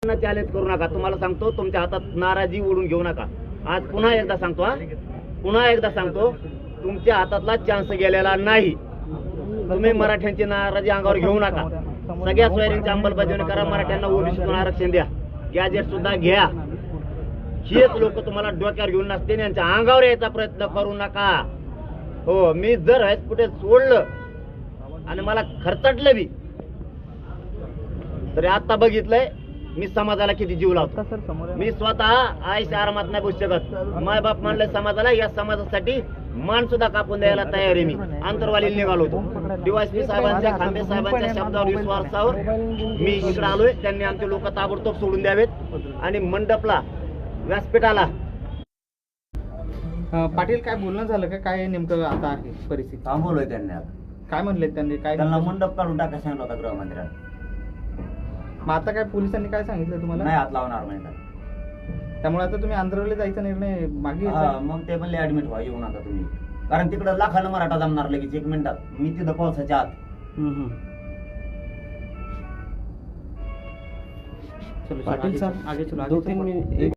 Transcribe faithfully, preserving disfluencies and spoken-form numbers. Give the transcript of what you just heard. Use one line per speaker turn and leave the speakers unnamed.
Challenge करू नका. तुम्हाला सांगतो, तुमच्या हातात नाराजी ओढून घेऊ नका. आज पुन्हा एकदा सांगतो, हा पुन्हा एकदा सांगतो, तुमच्या हातातला चान्स गेलेला नाही. तुम्ही मराठ्यांची नाराजी अंगावर घेऊ नका. सगळ्या सोयरींची अंमलबजावणी करा. मराठ्यांना ओबीसीतून आरक्षण द्या. गॅजेट सुद्धा घ्या. हेच लोक तुम्हाला डोक्यावर घेऊन नसते, यांच्या अंगावर यायचा प्रयत्न करू नका. हो, मी जर कुठे सोडलं आणि मला खर्चटलं बी तरी आता बघितलंय मी समाजाला किती जीव लावतो. मी स्वतः आईच्या आरामात नाही बसू शकत. माय बाप मानलंय समाजाला, या समाजासाठी मान सुद्धा कापून द्यायला तयार आहे. मी आंतरवालीला निघालो होतो. डीवायएसपी साहेबांच्या, खांबे साहेबांच्या शब्दावर विश्वासावर मी इकडे आलोय. त्यांनी आमचे लोक ताबडतोब सोडून द्यावेत आणि मंडपला, व्यासपीठाला.
पाटील, काय बोलणं झालं का? काय नेमकं आता आहे परिस्थिती?
थांबवलंय त्यांनी. आता
काय म्हणले त्यांनी? काय
त्यांना मंडप काढून टाका सांगितलं होता गृहमंत्र्यांना.
मग आता काय पोलिसांनी काय सांगितलं तुम्हाला?
नाही हात लावणार म्हणजे.
त्यामुळे आता तुम्ही आंध्रवली जायचा निर्णय मागे घेतला?
मग ते म्हणले ऍडमिट व्हा, येऊ नका तुम्ही, कारण तिकडे लाखानं मराठा जमणार लगेच एक मिनिटात. मी तिथं पावसाच्या आत.
चलो पाटील साहब आगे चलो, आगे चलो.